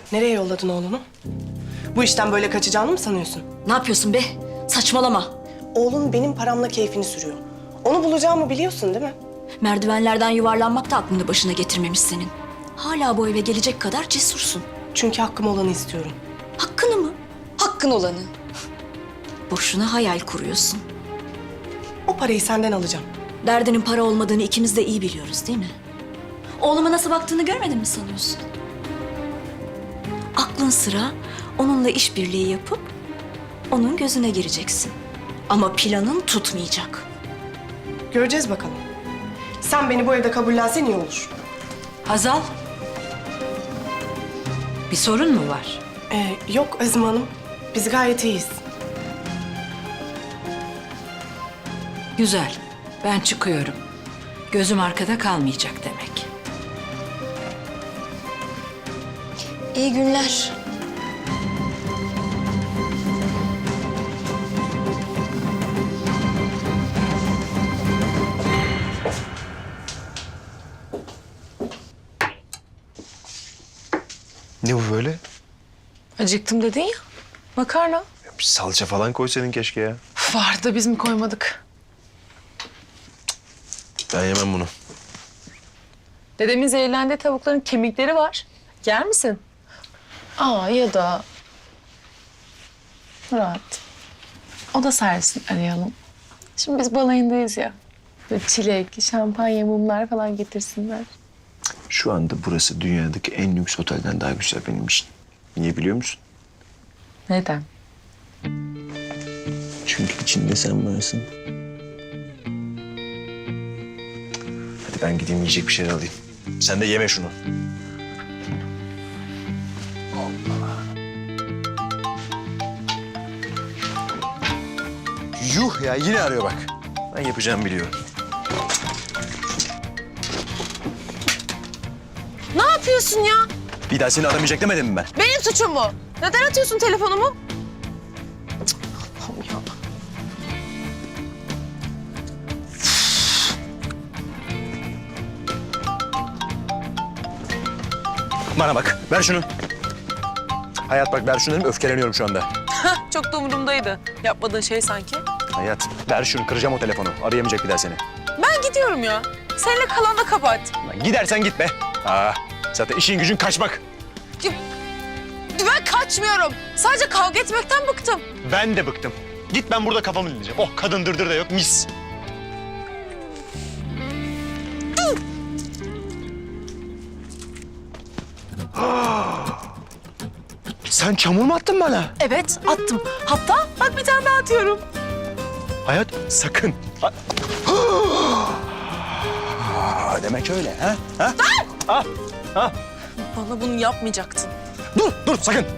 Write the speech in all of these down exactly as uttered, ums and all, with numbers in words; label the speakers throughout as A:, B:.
A: Nereye yolladın oğlunu? Bu işten böyle kaçacağını mı sanıyorsun?
B: Ne yapıyorsun be? Saçmalama.
A: Oğlun benim paramla keyfini sürüyor. Onu bulacağımı biliyorsun değil mi?
B: Merdivenlerden yuvarlanmak da aklını başına getirmemiş senin. Hala bu eve gelecek kadar cesursun.
A: Çünkü hakkım olanı istiyorum.
B: Hakkını mı?
C: Hakkın olanı.
B: Boşuna hayal kuruyorsun.
A: O parayı senden alacağım.
B: Derdinin para olmadığını ikimiz de iyi biliyoruz değil mi? Oğluma nasıl baktığını görmedin mi sanıyorsun? Aklın sıra onunla işbirliği yapıp onun gözüne gireceksin. Ama planın tutmayacak.
A: Göreceğiz bakalım. Sen beni bu evde kabullensen iyi olur.
D: Hazal. Bir sorun mu var?
A: Ee, yok Azime Hanım. Biz gayet iyiyiz.
D: Güzel. Ben çıkıyorum. Gözüm arkada kalmayacak demek.
C: İyi günler.
E: Ne bu böyle?
F: Acıktım dedin ya. Makarna.
E: Ya bir salça falan koysaydın keşke ya.
F: Vardı biz mi koymadık?
E: Ben yemem bunu.
F: Dedemin zehirlendiği tavukların kemikleri var. Yer misin? Aa ya da... Murat. O da sersin arayalım. Şimdi biz balayındayız ya. Böyle çilek, şampanya, mumlar falan getirsinler.
E: Şu anda burası dünyadaki en lüks otelden daha güzel benim için. Niye biliyor musun?
F: Neden?
E: Çünkü içinde sen varsın. Hadi ben gideyim yiyecek bir şeyler alayım. Sen de yeme şunu. Yuh ya yine arıyor bak. Ben yapacağımı biliyorum.
F: Ne yapıyorsun ya?
E: Bir daha seni aramayacak demedim mi ben?
F: Benim suçum mu? Neden atıyorsun telefonumu? Cık, Allah'ım ya.
E: Bana bak ver şunu. Hayat bak ver şunu dedim öfkeleniyorum şu anda.
F: Çok da umurumdaydı. Yapmadığın şey sanki.
E: Hayat ver şunu kıracağım o telefonu. Arayamayacak bir daha seni.
F: Ben gidiyorum ya. Seninle kalan da kapat.
E: Lan gidersen gitme. Aa, zaten işin gücün kaçmak.
F: Ben kaçmıyorum. Sadece kavga etmekten bıktım.
E: Ben de bıktım. Git ben burada kafamı dinleyeceğim. Oh kadın dırdır da yok mis. Sen çamur mu attın bana?
F: Evet, attım. Hatta bak bir tane daha atıyorum.
E: Hayat sakın. Ha- Aa, demek öyle ha? Ha? Ah, ah.
F: Bana bunu yapmayacaktın.
E: Dur, dur sakın.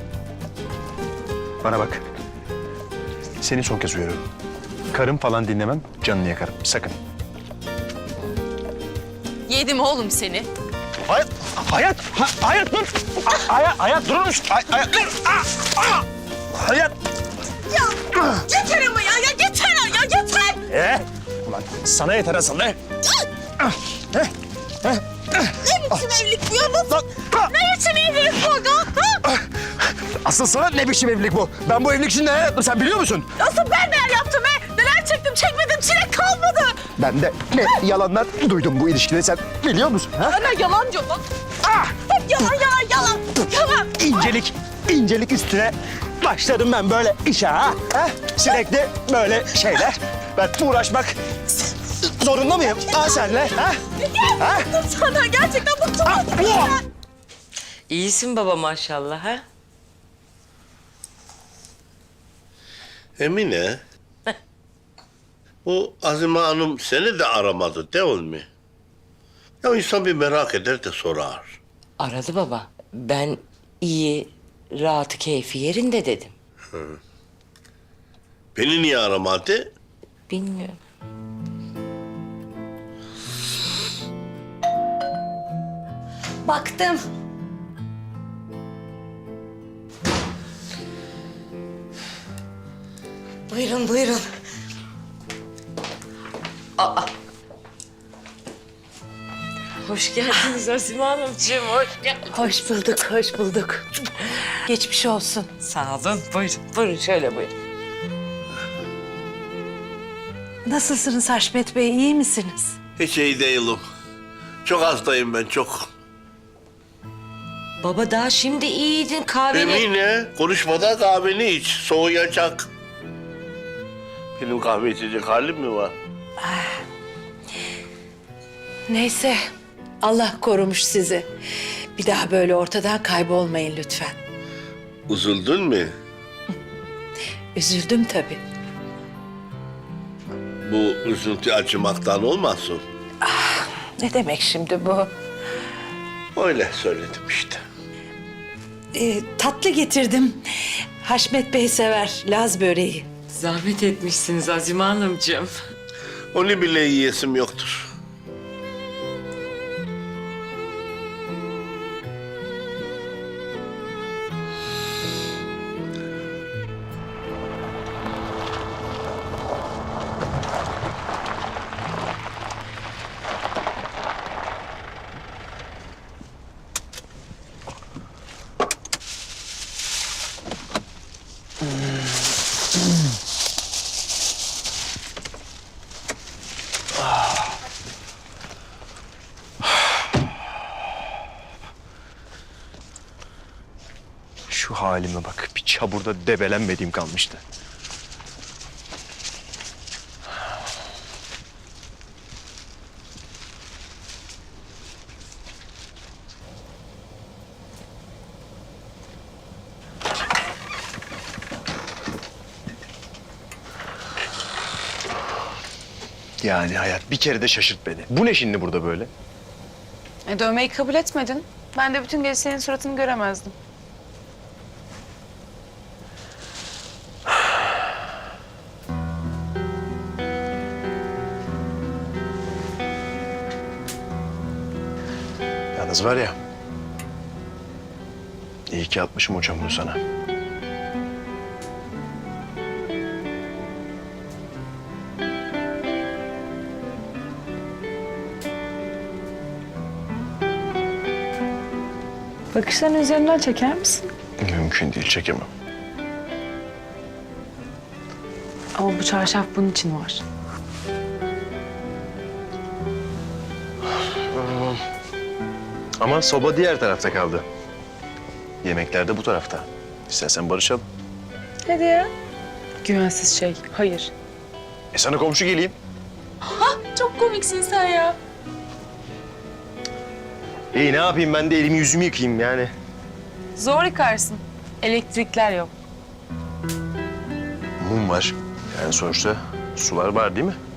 E: Bana bak. Seni son kez uyarıyorum. Karım falan dinlemem, canını yakarım. Sakın.
F: Yedim oğlum seni.
E: Hayat, hayat, ha, hayat dur. A- hayat, hayat durur musun? Hay- hayat dur. Ah, ah. Hayat.
F: Yeter ama ya, ya yeter ya, yeter.
E: Ee, ulan sana yeter asıl ne?
F: Ne biçim evlilik bu ya? Nasıl?
E: Lan, ah.
F: Ne biçim evlilik bu aga? Ha?
E: Asıl sana ne biçim evlilik bu? Ben bu evlilik için ne yaptım sen biliyor musun?
F: Asıl ben neler yaptım be? Neler çektim, çekmedim, çilek kalmadı.
E: Ben de ne yalanlar duydum bu ilişkide sen biliyor musun? Ha?
F: Ana yalan diyor lan.
E: Ah!
F: Hep yalan, yalan, yalan. Yalan.
E: İncelik, incelik üstüne başladım ben böyle işe ha. ha? Sürekli böyle şeyler. Ben uğraşmak zorunda mıyım ha senle? Ha? Ha?
F: Bıktım sana, gerçekten bıktım.
E: Ah! uah!
G: İyisin baba maşallah ha?
H: Emine, bu Azime Hanım seni de aramadı değil mi? Ya insan bir merak eder de sorar.
G: Aradı baba. Ben iyi, rahat, keyfi yerinde dedim.
H: Beni niye aramadı?
G: Bilmiyorum.
B: Baktım. Buyurun, buyurun. Aa.
G: Hoş geldiniz Azime Hanımcığım, hoş geldiniz.
D: Hoş bulduk, hoş bulduk. Geçmiş olsun.
G: Sağ olun, buyurun, buyurun şöyle buyurun.
D: Nasılsınız Haşmet Bey, iyi misiniz?
H: Hiç iyi değilim. Çok hastayım ben, çok.
G: Baba daha şimdi iyiydin kahveni.
H: Emine, konuşmadan kahveni iç, soğuyacak. Benim kahve içecek halim mi var?
D: Neyse, Allah korumuş sizi. Bir daha böyle ortadan kaybolmayın lütfen.
H: Üzüldün mü?
D: Üzüldüm tabii.
H: Bu üzüntü acımaktan olmasın?
D: Ne demek şimdi bu?
H: Öyle söyledim işte.
D: Ee, tatlı getirdim. Haşmet Bey sever Laz böreği.
G: Zahmet etmişsiniz Azime Hanımcığım.
H: Onu bile yiyesim yoktur.
E: Şu halime bak. Bir çaburda debelenmediğim kalmıştı. Yani hayat bir kere de şaşırt beni. Bu ne şimdi burada böyle?
F: E, dövmeyi kabul etmedin. Ben de bütün gece senin suratını göremezdim.
E: Yalnız var ya... İyi ki atmışım o çamuru sana.
F: Bakışlarını üzerinden çeker misin?
E: Mümkün değil, çekemem.
F: Ama bu çarşaf bunun için var.
E: Ama soba diğer tarafta kaldı. Yemekler de bu tarafta. İstersen barışalım.
F: Hadi ya. Güvensiz şey. Hayır.
E: E sana komşu geleyim.
F: Çok komiksin sen ya.
E: İyi ne yapayım ben de elimi yüzümü yıkayayım yani.
F: Zor yıkarsın. Elektrikler yok.
E: Mum var. Yani sonuçta sular var değil mi?